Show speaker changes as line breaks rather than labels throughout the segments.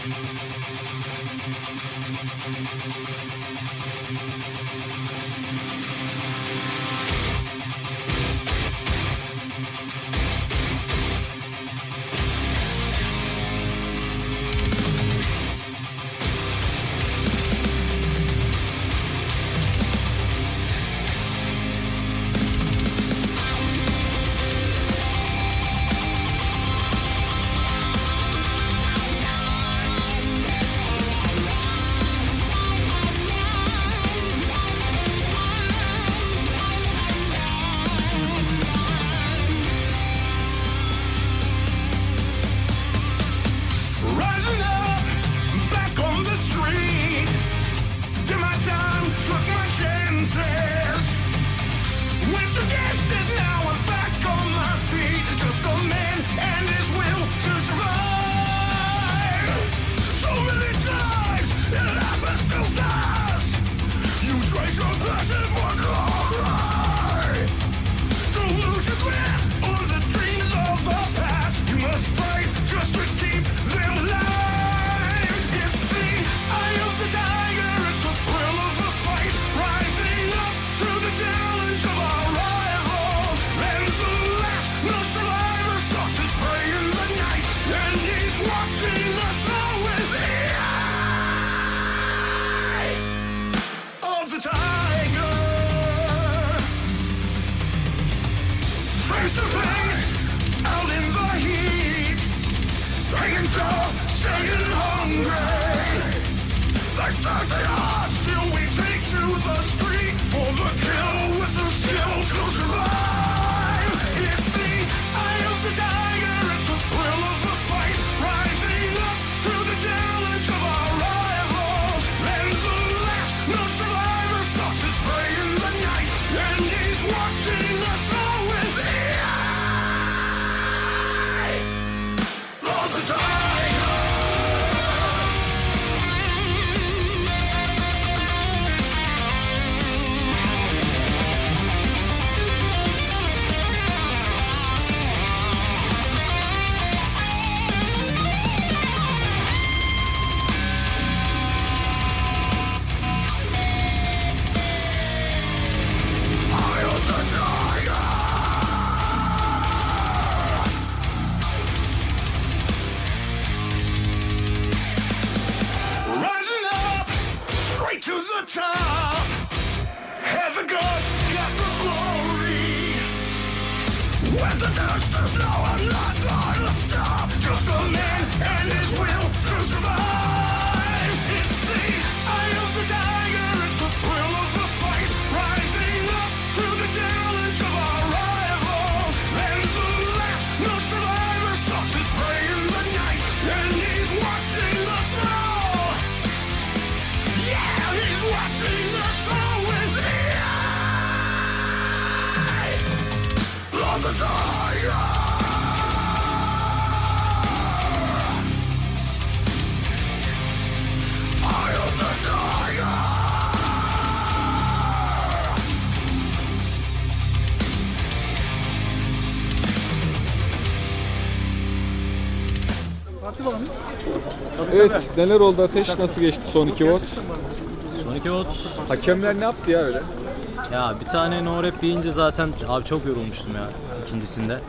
Evet, neler oldu Ateş? Nasıl geçti son 2 volt?
Son 2 volt.
Hakemler ne yaptı ya öyle?
Ya bir tane no rap yiyince zaten abi çok yorulmuştum ya ikincisinde.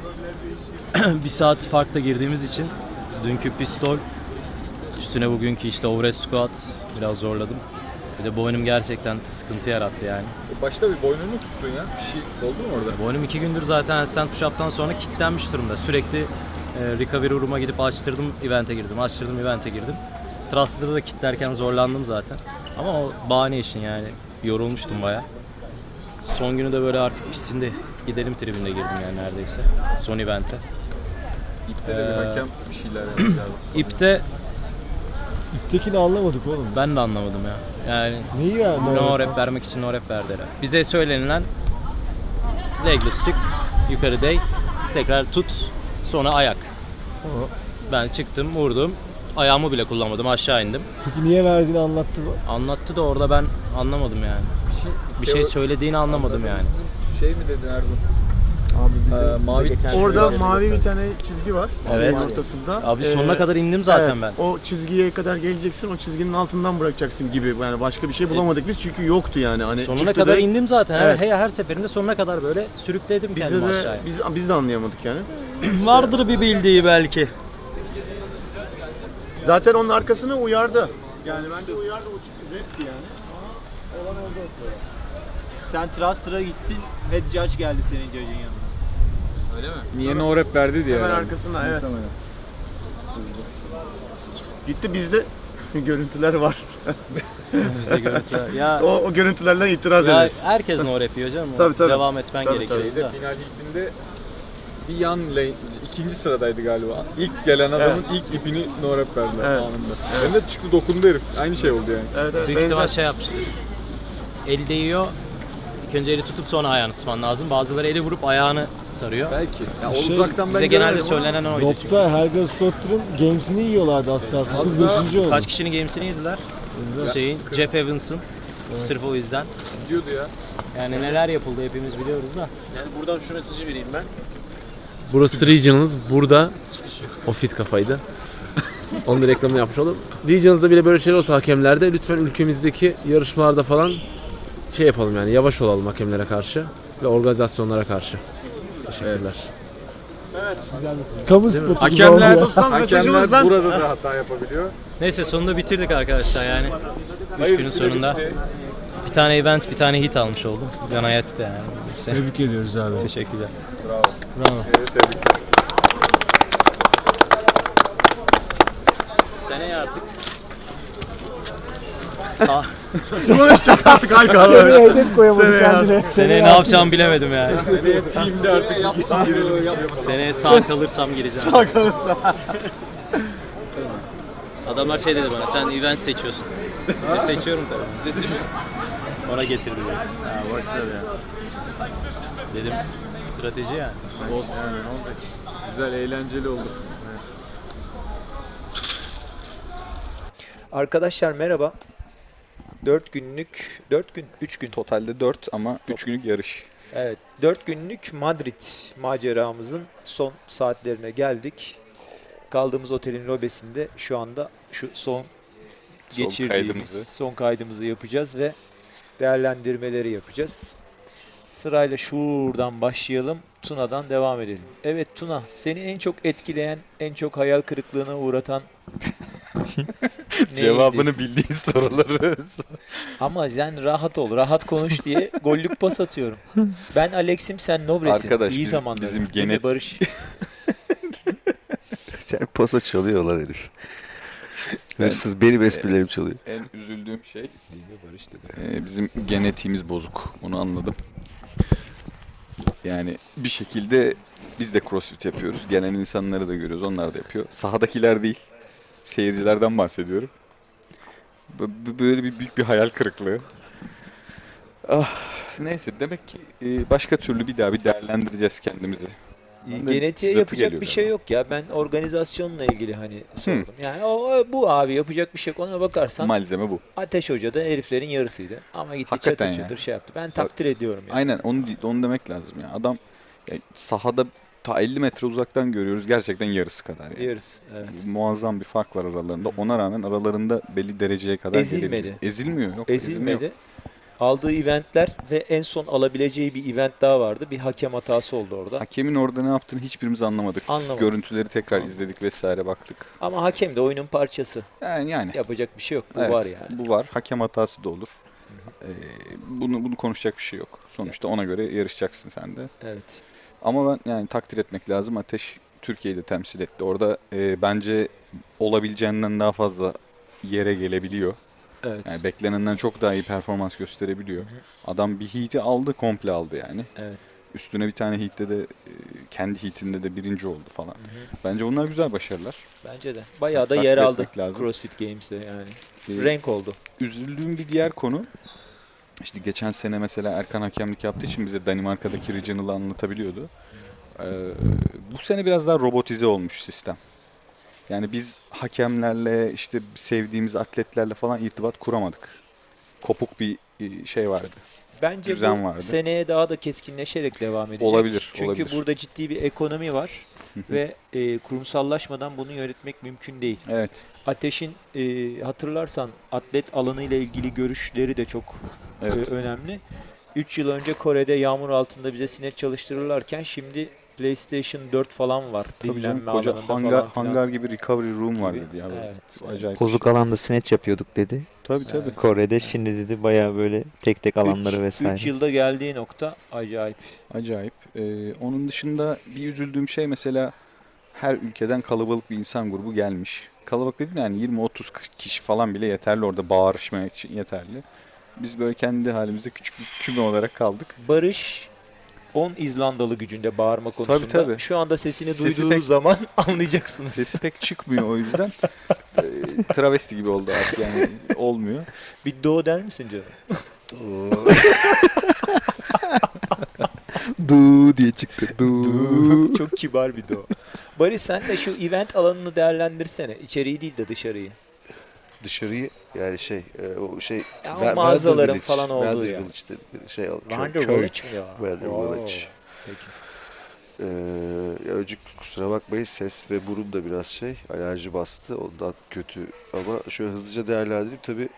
Bir saat farkla girdiğimiz için dünkü pistol üstüne bugünkü işte overhead squat biraz zorladım. Bir de boynum gerçekten sıkıntı yarattı yani.
Başta bir boynunu tuttun ya. Bir şey oldu mu orada?
Boynum 2 gündür zaten handstand push-up'tan sonra kilitlenmiş durumda. Sürekli recovery room'a gidip açtırdım, event'e girdim, açtırdım, event'e girdim. Thruster'da da kilitlerken zorlandım zaten. Ama o bahane işin yani. Yorulmuştum bayağı. Son günü de böyle artık pistinde gidelim tribünde girdim yani neredeyse. Son event'e.
İpte de bir hakem bir şeyler yapacağız.
İpte
İptekini anlamadık oğlum.
ben de anlamadım ya. Yani
Neyi ya?
no rap vermek için no rap verdiler. Bize söylenilen legless çık, yukarı değ, tekrar tut, sonra ayak. Ben çıktım, vurdum. Ayağımı bile kullanmadım, aşağı indim.
Peki niye verdiğini anlattı mı?
Anlattı da orada ben anlamadım yani. Bir şey söylediğini anlamadım yani.
Şey mi dedin Ergun?
Abi bize
mavi
geçen
Orada
sene
mavi
geldi
bir tane çizgi var.
Evet.
Şeyin ortasında.
Abi sonuna kadar indim zaten
evet,
ben.
O çizgiye kadar geleceksin, o çizginin altından bırakacaksın gibi. Yani başka bir şey bulamadık biz çünkü yoktu yani. Hani
Sonuna
çıktı
kadar
direkt.
indim zaten.
Evet.
Her seferinde sonuna kadar böyle sürükledim
Bize
kendimi
de
aşağıya.
biz de anlayamadık yani.
Vardır bir bildiği belki.
Zaten onun arkasına uyardı. Yani bence uyardı, o çünkü rapti yani. Olan oldu o sırada.
Sen Truster'a gittin, head judge geldi senin judge'ın yanına. Öyle mi?
Niye no rap verdi diye.
Hemen
herhalde.
arkasına, evet. Gitti, bizde görüntüler var.
Bize görüntüler. Ya,
O görüntülerden itiraz
ya
ederiz.
herkes no yapıyor canım.
Tabii, tabii.
Devam etmen
Tabii,
gerekiyor.
tabii.
Bir de final hitinde bir yan lane, ikinci sıradaydı galiba. İlk gelen adamın ilk ipini no rap verdiler
Evet.
anında. Ben de çıktı dokundu herif. Aynı şey oldu yani.
Evet, evet.
Büyük ihtimal
Benzer.
şey yapmıştır. El değiyor. İlk önce eli tutup sonra ayağını tutman lazım. Bazıları eli vurup ayağını sarıyor.
Belki. Ya o
Şey,
uzaktan ben
Bize genelde
göremedim ama
söylenen oydu çünkü.
Dopta Helga Slotter'ın games'ini yiyorlardı az kalsın. Kız
Az
5. oldu.
Kaç kişinin gamesini yediler? Şeyin, Jeff Evans'ın. Sırf o yüzden.
diyordu ya.
Yani neler yapıldı hepimiz biliyoruz da.
Yani buradan şu mesajı vereyim ben.
Burası Regionals. Burada o fit kafaydı. Onun da reklamını yapmış oldum. Regions'da bile böyle şeyler olsa hakemlerde lütfen ülkemizdeki yarışmalarda falan şey yapalım yani yavaş olalım hakemlere karşı ve organizasyonlara karşı. Teşekkürler.
Kamu spotu gibi
Hakemler,
oldu ya.
hakemler burada da hata yapabiliyor.
Neyse sonunda bitirdik arkadaşlar yani. 3
Hayır,
günün
süre
sonunda.
bitti.
Bir tane event, bir tane hit almış oldum. Can hayatta yani.
Tebrik ediyoruz abi.
Teşekkürler.
Bravo.
Bravo.
Evet, tebrikler.
Seneye artık sağ...
Konuşacak artık Hayka.
Seneye hedef koyamadı
Seneye
kendine.
Seneye ne yapacağımı bilemedim yani.
Seneye team'de artık
Seneye sağ kalırsam gireceğim. Adamlar şey dedi bana, sen event seçiyorsun. Seçiyorum tabii. Ona getirdi beni.
Ha, boşver ya.
Dedim, strateji yani.
Yani ne olacak?
güzel, eğlenceli oldu.
Arkadaşlar merhaba. 3 gün.
Totalde 4 ama 3 günlük yarış.
Evet, 4 günlük Madrid maceramızın son saatlerine geldik. Kaldığımız otelin lobesinde şu anda şu son geçirdiğimiz
kaydımızı.
son kaydımızı yapacağız ve değerlendirmeleri yapacağız. Sırayla şuradan başlayalım, Tuna'dan devam edelim. Evet Tuna, seni en çok etkileyen, en çok hayal kırıklığına uğratan neydi?
Cevabını bildiğin soruları.
Ama sen rahat ol, rahat konuş diye gollük pas atıyorum. Ben Alex'im, sen Nobres'in.
Arkadaş,
İyi
biz-
zamanlar.
bizim
Değil mi
genet-
Barış?
Yani pasa çalıyorlar herif. Hırsız benim esprilerim çalıyor.
En üzüldüğüm şey bizim genetiğimiz bozuk. Onu anladım. Yani bir şekilde biz de crossfit yapıyoruz. Gelen insanları da görüyoruz. Onlar da yapıyor. Sahadakiler değil. Seyircilerden bahsediyorum. Böyle bir büyük bir hayal kırıklığı. Ah, neyse demek ki başka türlü bir daha bir değerlendireceğiz kendimizi. Ben de
Genetiğe
zıtı
yapacak
geliyor
bir şey
galiba.
yok ya. Ben organizasyonla ilgili hani sordum. Yani bu abi yapacak bir şey yok. Ona bakarsan
Malzeme bu.
Ateş Hoca da heriflerin yarısıydı. Ama gitti
Hakikaten
çatır
ya.
çatır şey yaptı. Ben takdir ediyorum yani.
Aynen onu demek lazım ya. Adam ya, sahada ta 50 metre uzaktan görüyoruz gerçekten yarısı kadar yani.
Yarısı. Evet.
Muazzam bir fark var aralarında. Ona rağmen aralarında belli dereceye kadar
Ezilmedi.
gelebiliyor. Ezilmiyor. Yok,
Ezilmedi.
yok.
Aldığı eventler ve en son alabileceği bir event daha vardı. Bir hakem hatası oldu orada.
Hakemin orada ne yaptığını hiçbirimiz anlamadık.
Anlamadık.
Görüntüleri tekrar izledik vesaire baktık.
Ama hakem de oyunun parçası.
Yani
Yapacak bir şey yok. Bu
evet,
var yani.
bu var. Hakem hatası da olur. Bunu konuşacak bir şey yok. Sonuçta ona göre yarışacaksın sen de.
Evet.
Ama ben yani takdir etmek lazım. Ateş Türkiye'yi de temsil etti. Orada bence olabileceğinden daha fazla yere gelebiliyor.
Evet.
Yani beklenenden çok daha iyi performans gösterebiliyor. Adam bir heat'i aldı, komple aldı yani.
Evet.
Üstüne bir tane heat'te de kendi heat'inde de birinci oldu falan. Bence bunlar güzel başarılar.
Bence de. Bayağı da
Takdir
yer aldı
etmek lazım.
CrossFit Games'te yani.
Ee,
Renk oldu.
Üzüldüğüm bir diğer konu, işte geçen sene mesela Erkan hakemlik yaptığı için bize Danimarka'daki Regional'ı anlatabiliyordu. Bu sene biraz daha robotize olmuş sistem. Yani biz hakemlerle işte sevdiğimiz atletlerle falan irtibat kuramadık. Kopuk bir şey vardı.
Bence
düzen
bu
vardı.
seneye daha da keskinleşerek devam edecek.
Olabilir,
Çünkü
olabilir.
burada ciddi bir ekonomi var ve kurumsallaşmadan bunu yönetmek mümkün değil.
Evet.
Ateş'in hatırlarsan atlet alanı ile ilgili görüşleri de çok
Evet.
önemli. 3 yıl önce Kore'de yağmur altında bize sinek çalıştırırlarken şimdi PlayStation 4 falan var.
Tabii canım,
Dinlenme
koca
alanında
hangar,
falan filan.
hangar gibi recovery room var
Gibi.
dedi ya. Böyle.
Evet.
Acayip.
Bozuk alanda snatch yapıyorduk dedi.
Tabii tabii.
Kore'de şimdi dedi bayağı böyle tek tek alanları vesaire.
3 yılda geldiği nokta acayip.
Acayip. Onun dışında bir üzüldüğüm şey mesela her ülkeden kalabalık bir insan grubu gelmiş. Kalabalık dedim yani 20-30 kişi falan bile yeterli orada bağırışmak için yeterli. Biz böyle kendi halimizde küçük bir küme olarak kaldık.
Barış 10 İzlandalı gücünde bağırma konusunda.
tabii.
Şu anda sesini
Sesi
duyduğu
pek-
zaman anlayacaksınız.
Sesi pek çıkmıyor o yüzden. Travesti gibi oldu artık yani olmuyor.
Bir do der misin canım?
Du diye çıktı. Du.
Çok kibar bir do. Barış sen de şu event alanını değerlendirsene. İçeriği değil de dışarıyı.
Dışarıyı yani o şey
Ya o mağazaların falan olduğu
Weather
ya.
Village dedi. Şey
Wander
köy.
Village mi ya?
Weather
Oo,
Village.
Peki.
Ya önce kusura bakmayın ses ve burun da biraz alerji bastı ondan kötü ama şöyle hızlıca değerlendireyim tabii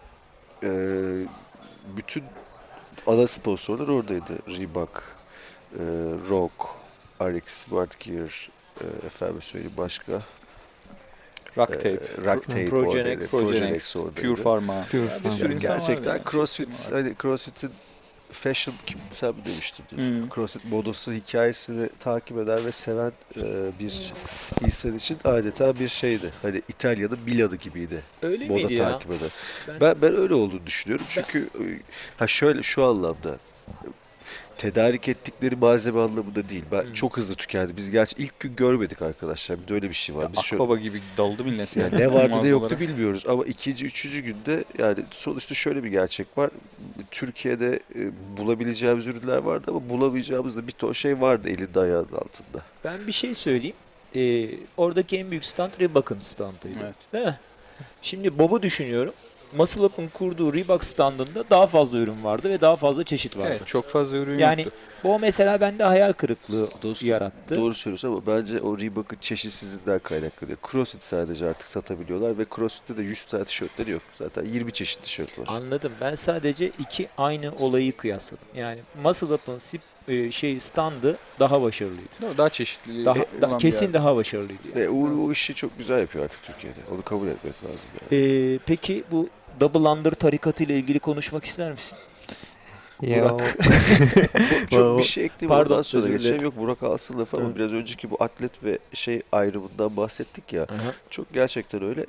bütün ana sponsorlar oradaydı. Reebok, Rock, RX, Smart Gear, efendim söyleyeyim başka.
Rock Tape,
Rock Tape
Progenex,
oradaydı. Progenex oradaydı.
Pure Pharma.
Pure
Ya bir sürü insan
Gerçekten
vardı ya.
CrossFit, hani CrossFit'in fashion sen mi demiştin?
Hmm.
CrossFit modası hikayesini takip eden ve seven bir insan için adeta bir şeydi. Hani İtalya'da Milano gibiydi.
Öyle
Moda
miydi ya?
takip eden.
Ben-
Ben öyle olduğunu düşünüyorum. Çünkü şöyle şu anlamda tedarik ettikleri malzeme anlamında değil. Ben çok hızlı tükendi. Biz gerçi ilk gün görmedik arkadaşlar. Bir de öyle bir şey var. Biz şöyle,
Akbaba gibi daldı millet
yani ne vardı ne yoktu bilmiyoruz ama ikinci, üçüncü günde yani sonuçta şöyle bir gerçek var. Türkiye'de bulabileceğimiz ürünler vardı ama bulamayacağımız da bir ton şey vardı elinde ayağının altında.
Ben bir şey söyleyeyim. Oradaki en büyük stand Reebok'un standıydı.
Evet.
Değil mi? Şimdi Bob'u düşünüyorum. Muscle Up'ın kurduğu Reebok standında daha fazla ürün vardı ve daha fazla çeşit vardı.
Evet, çok fazla ürün
Yani
yoktu.
bu mesela bende hayal kırıklığı yarattı.
Doğru söylüyorsun ama bence o Reebok'un çeşitsizliğinden kaynaklanıyor. CrossFit sadece artık satabiliyorlar ve CrossFit'te de 100 tane tişörtleri yok. Zaten 20 çeşit tişört var.
Anladım. Ben sadece iki aynı olayı kıyasladım. Yani Muscle Up'ın standı daha başarılıydı.
Daha çeşitli.
Kesin daha başarılıydı. Yani.
Ve o işi çok güzel yapıyor artık Türkiye'de. Onu kabul etmek lazım yani.
Peki bu Double Under tarikatı ile ilgili konuşmak ister misin? Burak.
Çok bir şey ekleyeyim
Pardon,
ondan sonra
özür
geçeceğim.
dilerim.
Yok Burak alsın lafı ama
Hı.
biraz önceki bu atlet ve ayrımından bahsettik ya.
Aha.
Çok gerçekten öyle.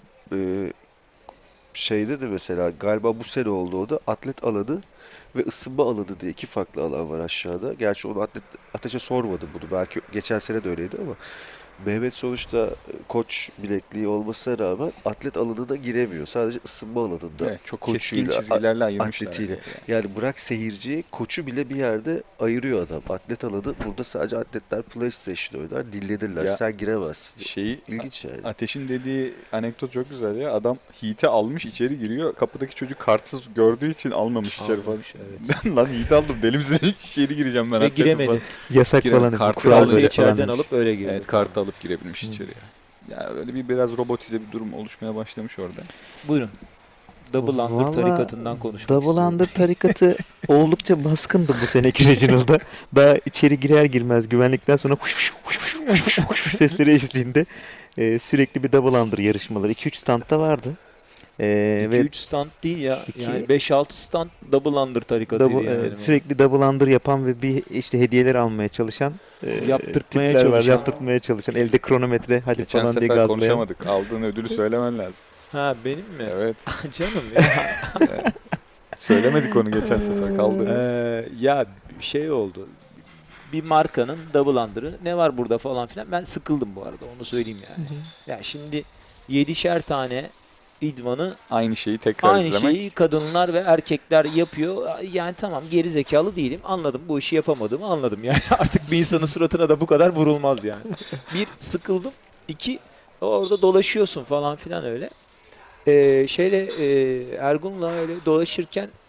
Şeyde de mesela galiba bu sene oldu o da atlet alanı ve ısınma alanı diye iki farklı alan var aşağıda. Gerçi onu Ateş'e sormadım bunu. Belki geçen sene de öyleydi ama Mehmet sonuçta koç bilekliği olmasına rağmen atlet alanına giremiyor. Sadece ısınma alanında.
Evet, çok keskin
koçuyla,
çizgilerle ayırmışlar.
atletiyle. Yani bırak seyirciyi, koçu bile bir yerde ayırıyor adam. Atlet alanı burada sadece atletler PlayStation oynar, dinlenirler.
Ya,
Sen giremezsin.
Şeyi
İlginç yani.
Ateş'in dediği anekdot çok güzel ya. Adam Heat'i almış içeri giriyor. Kapıdaki çocuk kartsız gördüğü için almamış içeri falan.
Almamış, evet.
Lan Heat'i aldım. Deli misin? İçeri gireceğim ben.
Ve
atlete
giremedi.
falan.
Yasak
Giremedi. Kartı
kural
alınca
böyle
İçeriden
falan.
alıp öyle girdi.
Evet, kartı alıp girebilmiş içeriye. Ya öyle biraz robotize bir durum oluşmaya başlamış orada.
Buyurun. Double Under
Vallahi
tarikatından konuşmak
Double
istiyorum.
Under tarikatı oldukça baskındı bu seneki Reginald'da. Daha içeri girer girmez güvenlikten sonra sesleri eşliğinde sürekli bir Double Under yarışmaları. 2-3 standta vardı. Ve
2-3 stand değil ya.
İki-
Yani 5-6 stand Double Under tarikatıydı. yani.
sürekli Double Under yapan ve bir işte hediyeler almaya çalışan
Yaptırtmaya
tipler var.
çalışan.
Yaptırtmaya çalışan. Elde kronometre hadi
Geçen
falan diye
sefer
gazlayan.
konuşamadık. Aldığın ödülü söylemen lazım.
Ha benim mi?
Evet.
Canım ya.
Söylemedik onu geçen sefer. Kaldı.
Ya şey oldu. Bir markanın Double Under'ı ne var burada falan filan. Ben sıkıldım bu arada onu söyleyeyim yani. Ya şimdi 7'şer tane idmanı
Aynı şeyi tekrar
aynı
izlemek.
şeyi kadınlar ve erkekler yapıyor. Yani tamam geri zekalı değilim. Anladım bu işi yapamadığımı anladım. Yani artık bir insanın suratına da bu kadar vurulmaz yani. Bir sıkıldım. İki orada dolaşıyorsun falan filan öyle. Ergun'la öyle dolaşırken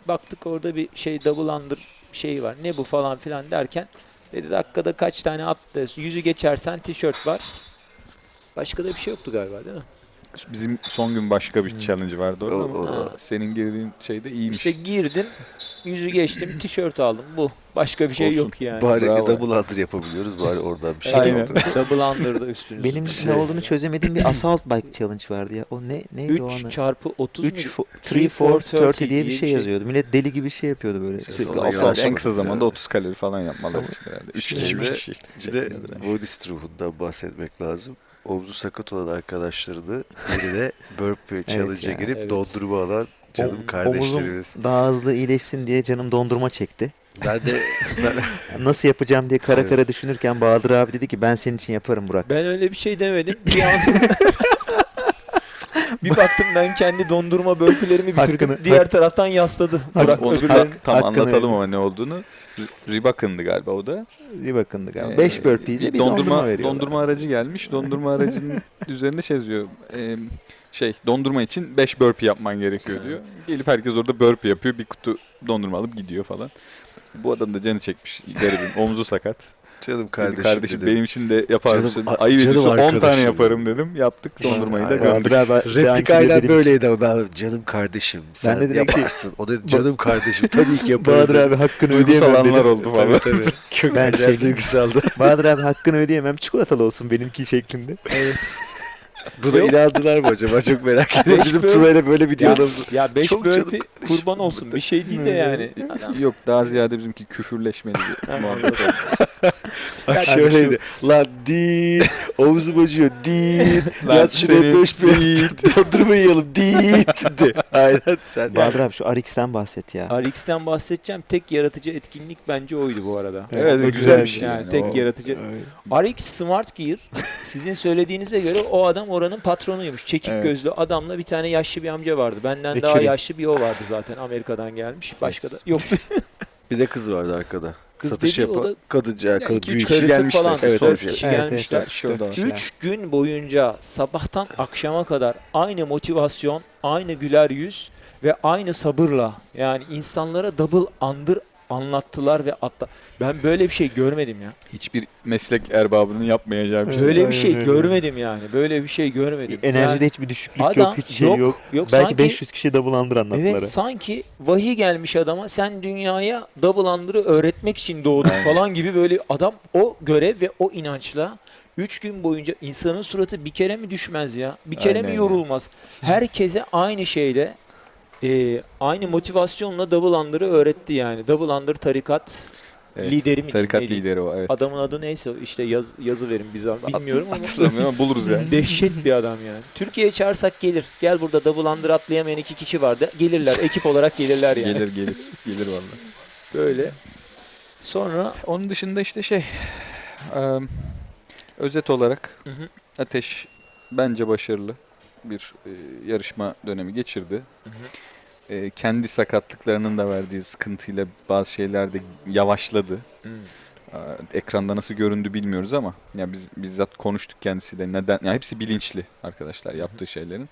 baktık orada bir şey double under şey var. Ne bu falan filan derken dedi dakikada kaç tane attı. Yüzü geçersen tişört var. Başka da bir şey yoktu galiba değil mi?
Bizim son gün başka bir challenge vardı orada ama
Ha.
senin girdiğin şey de iyiymiş.
İşte girdim, yüzü geçtim, tişört aldım. Bu. Başka bir şey
Olsun.
yok yani.
Bari
Bravo.
double under yapabiliyoruz. Bari oradan bir şey
Aynen.
yapalım.
Double under'da üstünüz.
Benim
Şey-
ne olduğunu çözemediğim bir assault bike challenge vardı ya. O neydi o
3
anı?
çarpı 30 mu?
3 3 4 30 diye bir şey yazıyordu. Millet deli gibi şey yapıyordu böyle.
Ses
Sürekli
olayı
assault.
var.
En kısa zamanda 30 kalori falan yapmaları için herhalde. 3 kişi,
Şimdi
3 kişi.
Bir de body strong'undan bahsetmek lazım. Omzu sakat olan arkadaşlarını birine burpee challenge'a
ya,
girip
evet.
dondurma alan canım kardeşlerimiz.
Omuzum daha hızlı iyileşsin diye canım dondurma çekti.
Ben de
Nasıl yapacağım diye kara
Evet.
kara düşünürken Bahadır abi dedi ki ben senin için yaparım Burak.
Ben öyle bir şey demedim. Bir an bir baktım ben kendi dondurma bölgelerimi bitirdim.
Hakkını-
Diğer taraftan yasladı. Burak
Onu
öbürlerin.
tam
hakkını
anlatalım
verin.
ama ne olduğunu. Reebok'ındı galiba o da.
Bir bakındı galiba. 5 burpee'ye bir dondurma veriyorlar.
Dondurma aracı gelmiş. Dondurma aracının üzerinde şey yazıyor. Dondurma için 5 burpee yapman gerekiyor diyor. Gelip herkes orada burpee yapıyor. Bir kutu dondurma alıp gidiyor falan. Bu adam da canı çekmiş. Garibim. Omzu sakat.
canım
Dedi,
kardeşim,
kardeşim
dedim.
benim için de yapar
Canım-
mısın?
canım
Ayıp ediyorsa 10 tane
arkadaşım
yaparım dedim. Yaptık. Dondurmayı da
Aynen.
gömdük.
Bahadır abi
Replik aynen böyleydi ama ben canım kardeşim sen
de dedim ki-
yaparsın. O da canım kardeşim tabii ki yaparım.
Bahadır abi hakkını
Duygusal
ödeyemem
anlar
dedim.
oldu falan.
Tabii tabii. Çok
Ben
acayip
şey-
duygusaldı.
Bahadır abi hakkını ödeyemem çikolatalı olsun benimki şeklinde.
Buna inandılar mı acaba? Çok merak ediyorum. Bizim
Beş
Tuna'yla böyle bir
Ya,
diyalogumuz.
ya 5
Çok canım
burpee kurban olsun. Bir şey değil de yani. Adam-
Yok daha ziyade bizimki küfürleşmeli bir muhabbet oldu.
Bak
Yani
şöyleydi. Lan değil. Omzum acıyor. Değil.
Lan
Yat şuraya
senin
5 bir dondurma yiyelim. Değil. De. Aynen sen.
Bahadır abi şu RX'ten bahset ya.
RX'ten bahsedeceğim. Tek yaratıcı etkinlik bence oydu bu arada.
Evet,
o
güzel bir
şey
şey.
Yani tek
O-
yaratıcı. RX Smart Gear sizin söylediğinize göre o adam oranın patronuymuş. Çekik
Evet.
gözlü adamla bir tane yaşlı bir amca vardı. Benden
Ve
daha
Curie.
yaşlı bir o vardı zaten Amerika'dan gelmiş. Başka da yok.
Bir de kız vardı arkada.
Kız
Satış
dediği o
yapan
da
kadınca
Ya
kadın
iki, üç
büyük.
kişi
karısı
gelmişler.
falan.
Evet,
Dört
evet.
kişi
Evet,
gelmişler.
evet,
Şu da var.
3 gün boyunca sabahtan akşama kadar aynı motivasyon, aynı güler yüz ve aynı sabırla yani insanlara double under anlattılar ve ben böyle bir şey görmedim ya.
Hiçbir meslek erbabının yapmayacağı bir şey.
Böyle bir şey
evet.
görmedim yani. Böyle bir şey görmedim.
Enerjide
Yani
hiçbir düşüklük
adam
yok, hiç şey yok.
Yok
Belki
sanki,
500 kişi double under anlattılar.
evet sanki vahiy gelmiş adama sen dünyaya double under'ı öğretmek için doğdun falan gibi böyle adam o görev ve o inançla 3 gün boyunca insanın suratı bir kere mi düşmez ya? Bir kere
Aynen
mi
ya.
yorulmaz? Herkese aynı şeyle aynı motivasyonla double under'ı öğretti yani. Double under tarikat
Evet,
lideri mi?
Tarikat
neydi?
lideri o, evet.
Adamın adı neyse işte yazı verin bize. Bilmiyorum ama
Hatırlamıyorum ama buluruz yani.
dehşet bir adam yani. Türkiye'ye çağırsak gelir. Gel burada double under atlayamayan 2 kişi vardı. Gelirler. Ekip olarak gelirler yani.
Gelir vallahi.
Böyle. Sonra
Onun dışında işte özet olarak
Hı hı.
Ateş bence başarılı bir yarışma dönemi geçirdi.
Hı
Kendi sakatlıklarının da verdiği sıkıntıyla bazı şeyler de yavaşladı. Ekranda nasıl göründü bilmiyoruz ama ya biz bizzat konuştuk kendisiyle neden ya hepsi bilinçli arkadaşlar yaptığı şeylerin.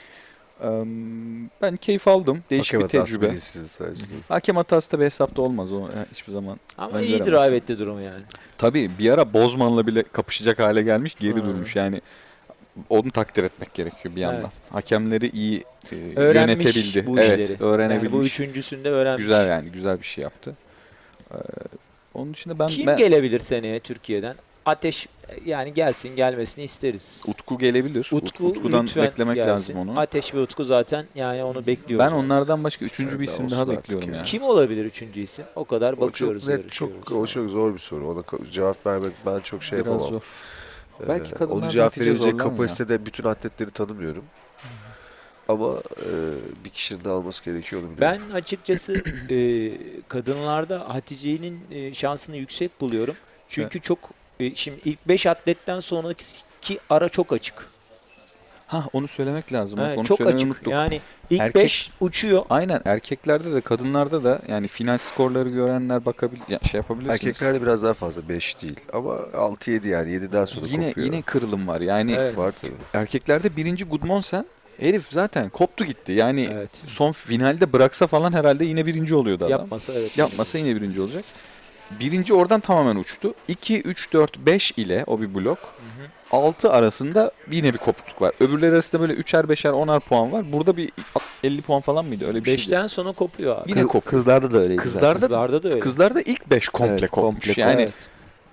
Ben keyif aldım. Değişik
Hakem
bir
hatası
tecrübe.
bilinçsiz sadece.
Hakem hatası da bir hesapta olmaz o hiçbir zaman.
ama
Ben
iyi
göremezsin.
drive etti durumu yani.
Tabii bir ara Bozman'la bile kapışacak hale gelmiş, geri
Ha.
durmuş. Yani onu takdir etmek gerekiyor bir yandan.
Evet.
Hakemleri iyi
Öğrenmiş
yönetebildi.
bu
Evet,
işleri.
öğrenebilmiş.
Yani bu üçüncüsünde öğrenmiş.
Güzel yani, güzel bir şey yaptı. Onun dışında
Kim gelebilir seneye Türkiye'den? Ateş yani gelsin gelmesini isteriz.
Utku gelebilir.
Utku
Utku'dan
lütfen
beklemek
gelsin.
lazım onu.
Ateş ve Utku zaten yani onu bekliyoruz.
Ben onlardan başka üçüncü bir
Sen de
isim daha
olsun artık
bekliyorum
ya.
yani.
Kim olabilir üçüncü isim? O kadar
O
bakıyoruz.
çok net,
yarışıyoruz.
o çok zor bir soru. Ona cevap vermek ben çok şey
Biraz
yapamam.
zor. Belki kadınlar
Onu cevap
netice
verebilecek
zorlamıyor.
kapasitede bütün atletleri tanımıyorum. Ama bir kişinin de alması gerekiyor onu biliyorum.
Ben açıkçası kadınlarda Hatice'nin şansını yüksek buluyorum. Çünkü çok şimdi ilk 5 atletten sonraki ara çok açık.
Onu söylemek lazım. Bak,
Evet,
onu
çok
söylemeyi
açık.
unuttuk.
Yani ilk
Erkek-
5 uçuyor.
Aynen erkeklerde de kadınlarda da yani final skorları görenler şey yapabilirsiniz.
Erkeklerde biraz daha fazla 5 değil ama 6-7 yani 7'den sonra
Yine
kopuyor.
kırılım var. Yani
Evet.
Var tabii.
erkeklerde birinci Gudmondsen Herif zaten koptu gitti. Yani
Evet.
son finalde bıraksa falan herhalde yine birinci oluyordu adam.
Yapmasa evet.
Yapmasa yine birinci olacak. Birinci oradan tamamen uçtu. 2, 3, 4, 5 ile o bir blok. 6 arasında yine bir kopukluk var. Öbürleri arasında böyle 3'er 5'er 10'ar puan var. Burada bir 50 puan falan mıydı? Öyle bir şeydi.
5'ten sonra kopuyor abi.
Yine kopuyor.
Kızlarda da öyleydi.
Kızlarda da öyle.
Kızlarda ilk 5 komple
Evet,
kopmuş.
komple
Yani
Evet.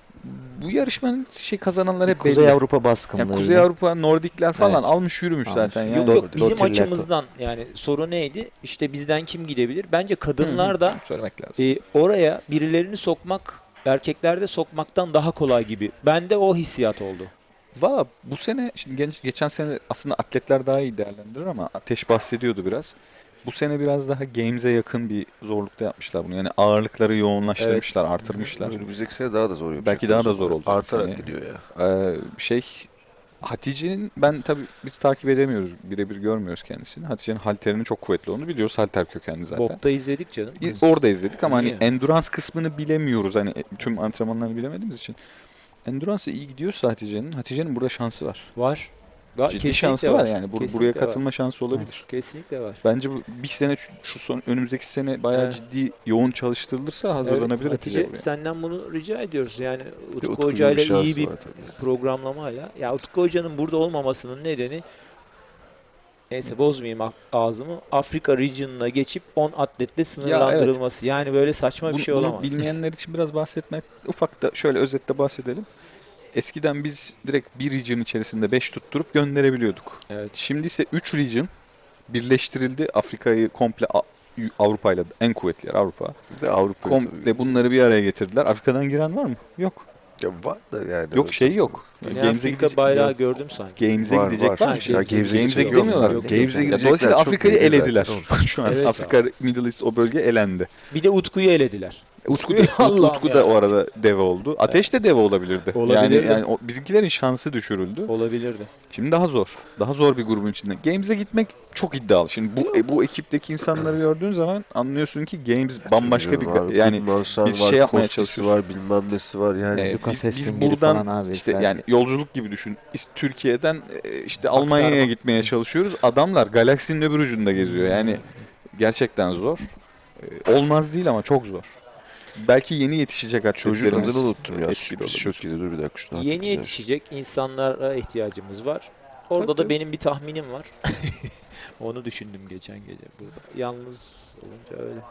bu yarışmanın kazananlar hep
Kuzey
belli.
Avrupa baskınlığı.
Yani Kuzey Avrupa, Nordikler falan
Evet.
almış yürümüş
Almış.
zaten.
Yok
Yani.
yok bizim
Dörtüller
açımızdan yani soru neydi? İşte bizden kim gidebilir? Bence kadınlar da
Söylemek lazım.
oraya birilerini sokmak erkeklerde sokmaktan daha kolay gibi. Bende o hissiyat oldu.
Valla bu sene, şimdi geçen sene aslında atletler daha iyi değerlendirir ama Ateş bahsediyordu biraz. Bu sene biraz daha games'e yakın bir zorlukta yapmışlar bunu. Yani ağırlıkları yoğunlaştırmışlar, artırmışlar.
Önümüzdeki sene daha da zor yapacak.
Belki daha da zor olacak.
Artarak
Sene.
gidiyor ya.
Hatice'nin ben tabii biz takip edemiyoruz. Birebir görmüyoruz kendisini. Hatice'nin halterinin çok kuvvetli olduğunu biliyoruz. Halter kökenli zaten.
Bob'da izledik canım.
Orada izledik ama hani
İyi.
endurance kısmını bilemiyoruz. Hani tüm antrenmanlarını bilemediğimiz için. Endurance'a iyi gidiyorsa Hatice'nin burada şansı var.
Var.
Ciddi
Kesinlikle
şansı var yani. Buraya
Kesinlikle var.
katılma şansı olabilir.
Kesinlikle var.
Bence bu bir sene şu son önümüzdeki sene bayağı
Evet.
ciddi yoğun çalıştırılırsa hazırlanabilir
Evet,
Hatice
Hatice
buraya.
senden bunu rica ediyoruz. Yani Utku
Utku'nun
Hoca ile
şansı
iyi bir
var tabii.
programlamayla. Ya Utku Hoca'nın burada olmamasının nedeni neyse bozmayayım ağzımı. Afrika region'ına geçip 10 atletle sınırlandırılması. Yani böyle saçma bir şey
Bunu
olamaz.
bilmeyenler için biraz bahsetmek, ufak da şöyle özette bahsedelim. Eskiden biz direkt bir region içerisinde 5 tutturup gönderebiliyorduk.
Evet.
Şimdi ise 3 region birleştirildi. Afrika'yı komple Avrupa'yla en kuvvetli yer Avrupa.
Bir de Avrupa
Komple bunları bir araya getirdiler. Afrika'dan giren var mı? Yok.
ya var da yani.
Yok şey yok.
Güney Afrika bayrağı gördüm sanki.
Games'e
Var,
gidecek
var.
var mı?
Şey,
Ya Games'e
Games'e
gidecek
gidemiyorlar.
yok. Games'e gidecekler.
Dolayısıyla
çok
Afrika'yı
belli zaten.
elediler. Şu an
Evet
Afrika, Middle East o bölge elendi.
Bir de Utku'yu elediler.
Utku
Allah'ım
da
ya.
o arada deve oldu. Ateş de deve olabilirdi.
Olabilirdi.
Yani bizimkilerin şansı düşürüldü.
Olabilirdi.
Şimdi daha zor. Daha zor bir grubun içinde. Games'e gitmek çok iddialı. Şimdi bu ekipteki insanları gördüğün zaman anlıyorsun ki Games bambaşka bir yani biz şey yapmaya çalışıyoruz.
var, bilmem nesi var yani.
Lucas
biz
Heston gibi
buradan
falan abi.
işte yani yolculuk gibi düşün. Türkiye'den işte Almanya'ya gitmeye çalışıyoruz. Adamlar galaksinin öbür ucunda geziyor. Yani gerçekten zor. Olmaz değil ama çok zor. Belki yeni yetişecek
Çocuk
atletlerimiz
adını unuttum ya.
etkili
Sürpriz
olabilir.
çok iyi. Dur bir dakika şunu
Yeni
hatırlayacağım.
yetişecek insanlara ihtiyacımız var. Orada da benim bir tahminim var. Onu düşündüm geçen gece burada. Yalnız olunca öyle.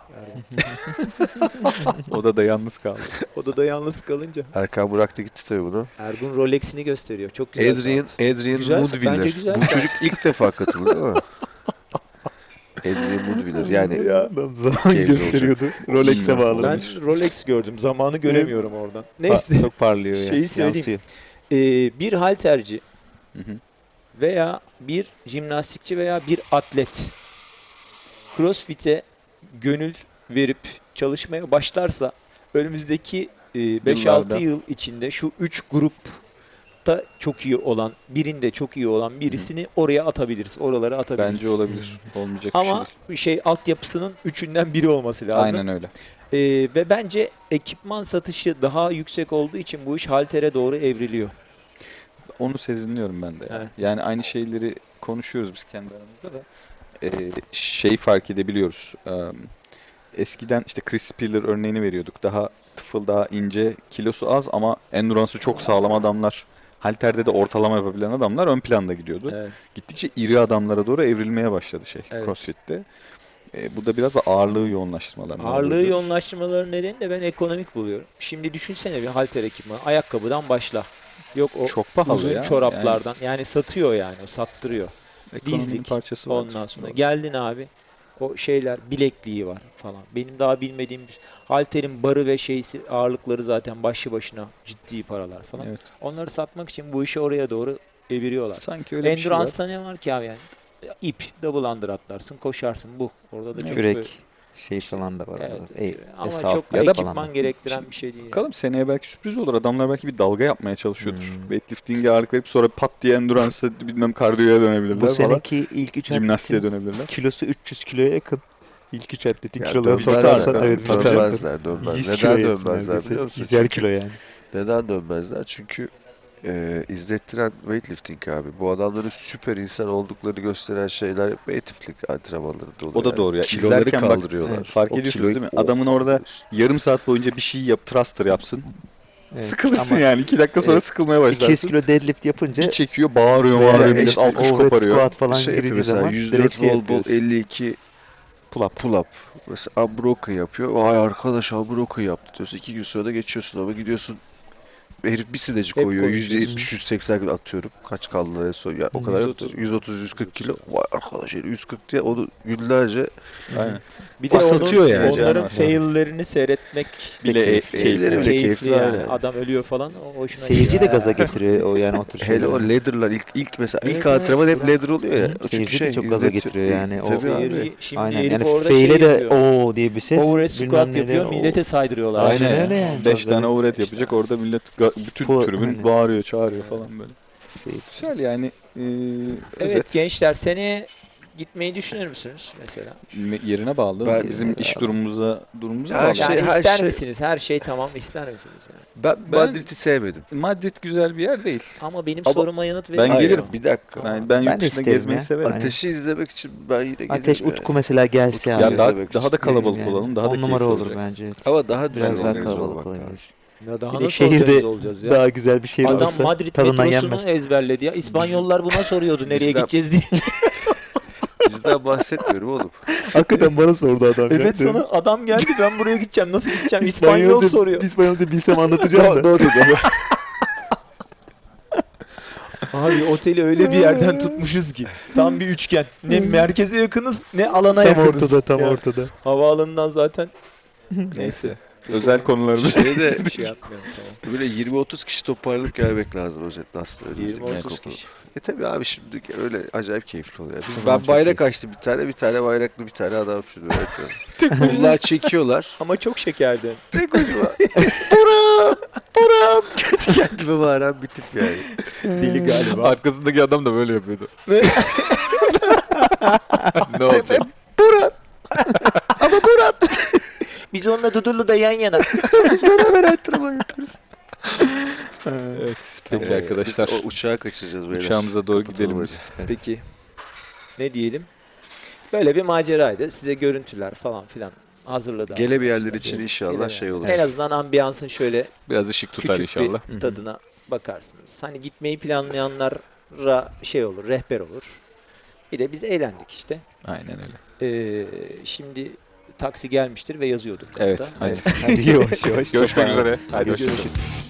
Odada yalnız kaldı.
Odada yalnız kalınca.
Erkan bıraktı gitti tabii bunu.
Ergun Rolex'ini gösteriyor. Çok güzel.
Adrian
Güzel,
Mudwiller.
bence güzel
Bu
saat.
çocuk ilk defa katıldı değil mi? Adrian Mudwiller yani
adam
zaman gösteriyordu.
Rolex'e bağlı.
Ben Rolex gördüm. Zamanı göremiyorum oradan. Neyse.
Çok parlıyor ya.
Şeyi söyleyeyim.
Yansıyor.
Bir halterci
Hı hı.
veya bir jimnastikçi veya bir atlet CrossFit'e gönül verip çalışmaya başlarsa önümüzdeki 5-6
Yıllarda.
yıl içinde şu 3 grupta çok iyi olan, birinde çok iyi olan birisini oraya atabiliriz. Oralara atabiliriz.
Bence olabilir. Olmayacak
Ama
bir şey değil.
altyapısının üçünden biri olması lazım.
Aynen öyle.
Ve bence ekipman satışı daha yüksek olduğu için bu iş haltere doğru evriliyor.
Onu sezinliyorum ben de. Yani.
Evet.
Yani aynı şeyleri konuşuyoruz biz kendi aramızda da. Şey fark edebiliyoruz. Eskiden işte Chris Spiller örneğini veriyorduk. Daha tıfıl, daha ince, kilosu az ama endurance'ı çok sağlam adamlar. Halterde de ortalama yapabilen adamlar ön planda gidiyordu.
Evet.
Gittikçe iri adamlara doğru evrilmeye başladı
Evet.
CrossFit'te. Bu da biraz da ağırlığı yoğunlaştırmalarından.
Ağırlığı
oluyor.
yoğunlaştırmaların nedeni de ben ekonomik buluyorum. Şimdi düşünsene bir halter ekipmanı. Ayakkabıdan başla. Yok o
Çok pahalı
uzun
ya.
çoraplardan. Yani satıyor yani. O sattırıyor.
Ekonominin
dizlik,
parçası vardır.
Ondan sonra
Doğru.
geldin abi. O şeyler bilekliği var falan. Benim daha bilmediğim halterin barı ve şeysi ağırlıkları zaten başlı başına ciddi paralar falan.
Evet.
Onları satmak için bu işi oraya doğru eviriyorlar.
Sanki öyle bir şey var.
Endurance'da ne var ki abi yani? İp, double under atlarsın, koşarsın bu. Orada da çok
Kürek şey falan da var.
Evet,
orada.
ama
Esalt
çok
ya da
ekipman
falan.
gerektiren bir şey değil. yani.
Bakalım seneye belki sürpriz olur. Adamlar belki bir dalga yapmaya çalışıyordur. Weightlifting'e ağırlık verip sonra pat diye endurance'a bilmem kardiyoya dönebilirler
Bu
falan.
seneki ilk 3
Jimnastiğe
atletin
dönebilirler.
kilosu 300 kiloya yakın. İlk 3 atletin
Ya
kilolarını
dönmezler,
toplarsan evet bir tane.
dönmezler.
100
Neden
kiloya yakın
dönmezler
neredeyse.
biliyor musun?
100'er kilo yani.
Neden dönmezler? Çünkü izlettiren weightlifting abi. Bu adamların süper insan olduklarını gösteren şeyler weightlifting antrenmanlarında oluyor.
O da
yani.
doğru ya.
Kiloları
İzlerken bak,
kaldırıyorlar.
fark
O
ediyorsunuz
kiloyu-
değil mi? Adamın orada yarım saat boyunca bir şey yap, thruster yapsın.
Evet,
Sıkılırsın
ama
yani. 2 dakika sonra sıkılmaya
200
başlarsın.
kilo deadlift yapınca
Bir çekiyor, bağırıyor,
veya
bağırıyor. Millet
işte
alkış
overhead
koparıyor.
squat falan
şey yapıyor
girdiği
mesela
zaman
104
direkt şey
bol bol
yapıyorsun.
52 pull up. Mesela unbroken yapıyor. Vay arkadaş unbroken yaptı diyorsun. 2 gün sonra da geçiyorsun ama gidiyorsun herif bir sineci
Hep
koyuyor.
konuşuyoruz.
170-180 kilo atıyorum. Kaç kaldı en son? Ya, o kadar 130-140 kilo. Vay arkadaş herif 140 diye onu günlerce
Aynen.
Bir de
Satıyor
onun,
yani.
onların
Canım.
faillerini seyretmek
Bile
keyifli.
failleri bile keyifli,
yani.
aynen.
Adam ölüyor falan. O hoşuna
Seyirci de
gidiyor.
gaza getiriyor o yani o tür
Hele
şeyleri.
o ladder'lar ilk mesela
Evet,
ilk antrenman hep
evet.
ladder oluyor ya.
Hı,
O çünkü
seyirci de çok gaza
izletiyor.
getiriyor yani. O
Tabii abi.
Seyirci, şimdi
Aynen
herif
yani
orada
fail'e
şey
de
yapıyor.
o diye bir ses.
Overhead
bilmem
squat
ne de
yapıyor,
o.
millete saydırıyorlar.
Aynen öyle yani.
5 tane
Evet.
overhead yapacak. Orada millet bütün
Bu-
tribün
aynen.
bağırıyor, çağırıyor falan böyle.
Seyirci.
Güzel yani.
Evet gençler seneye gitmeyi düşünür müsünüz mesela?
Yerine bağlı.
Ben-
Bizim iş durumumuza
Her
bağlı.
şey-
Yani ister
şey-
misiniz? Her şey tamam ister misiniz? Yani?
Ben Madrid'i sevmedim.
Madrid güzel bir yer değil.
Ama benim
Ama
soruma yanıt verin.
Ben
Hayır,
gelirim.
bir dakika.
Ben
Ben
yurt
de
dışında
isterim
gezmeyi
ya.
severim.
Ateşi izlemek için ben yine gelirim.
Ateş
yani.
Utku mesela gelse
Utku
abi.
Ya daha,
izlemek
daha da
istiyorum
kalabalık
Yani.
olalım. Daha da
10 numara
keyifli
olur
olacak.
bence.
Ama daha düzenli
Biraz daha
organize
kalabalık
olmak
olabilir.
lazım.
Ya daha
Bir de
nasıl
şehirde
organize olacağız ya?
Daha güzel bir şehir
Adam
olursa
Madrid
tadından
metrosunu
yenmez.
ezberledi ya. İspanyollar buna soruyordu nereye
Bizden-
gideceğiz diye.
Bizden bahsetmiyorum oğlum.
Hakikaten bana sordu adam.
Evet sana adam geldi ben buraya gideceğim nasıl gideceğim İspanyol soruyor.
İspanyolca bilsem anlatacağım da.
Abi oteli öyle bir yerden tutmuşuz ki. Tam bir üçgen. Ne merkeze yakınız ne alana
Tam
yakınız.
ortada tam
Ya,
ortada.
Havaalanından zaten. Neyse.
Özel konularımız.
Şeyde
Bir şey yapmıyorum tamam.
böyle 20-30 kişi toparlanıp gelmek lazım özetle aslında.
20-30 kişi.
Tabii abi şimdi öyle acayip keyifli oluyor. Ben bayrak açtım bir tane bayraklı bir tane adam şimdi öğretiyorum. Bunlar çekiyorlar.
Ama çok şekerdi.
Tek başıma. Kendi kendime bağıran bir tip yani.
Deli galiba.
Arkasındaki adam da böyle yapıyordu. Ne olacak?
Biz onunla Dudullu'da yan yana.
Beraber antrenman yapıyoruz.
Evet. Peki arkadaşlar.
Biz o uçağa kaçıracağız beyler.
Uçağımıza doğru gidelim
Kapatalım
biz.
Peki. Ne diyelim? Böyle bir maceraydı. Size görüntüler falan filan hazırladı.
Gele bir yerler
arkadaşlar.
için inşallah
Gele
şey
bir-
olur.
En azından ambiyansın şöyle
Biraz ışık tutar
küçük
inşallah.
bir tadına bakarsınız. Hani gitmeyi planlayanlara şey olur, rehber olur. Bir de biz eğlendik işte.
Aynen öyle.
Şimdi taksi gelmiştir ve yazıyorduk.
Evet.
hatta.
Hadi.
Hadi yavaş yavaş.
Görüşmek
toparlan.
üzere. Hadi
Hadi
hoşçakalın.
görüşürüz.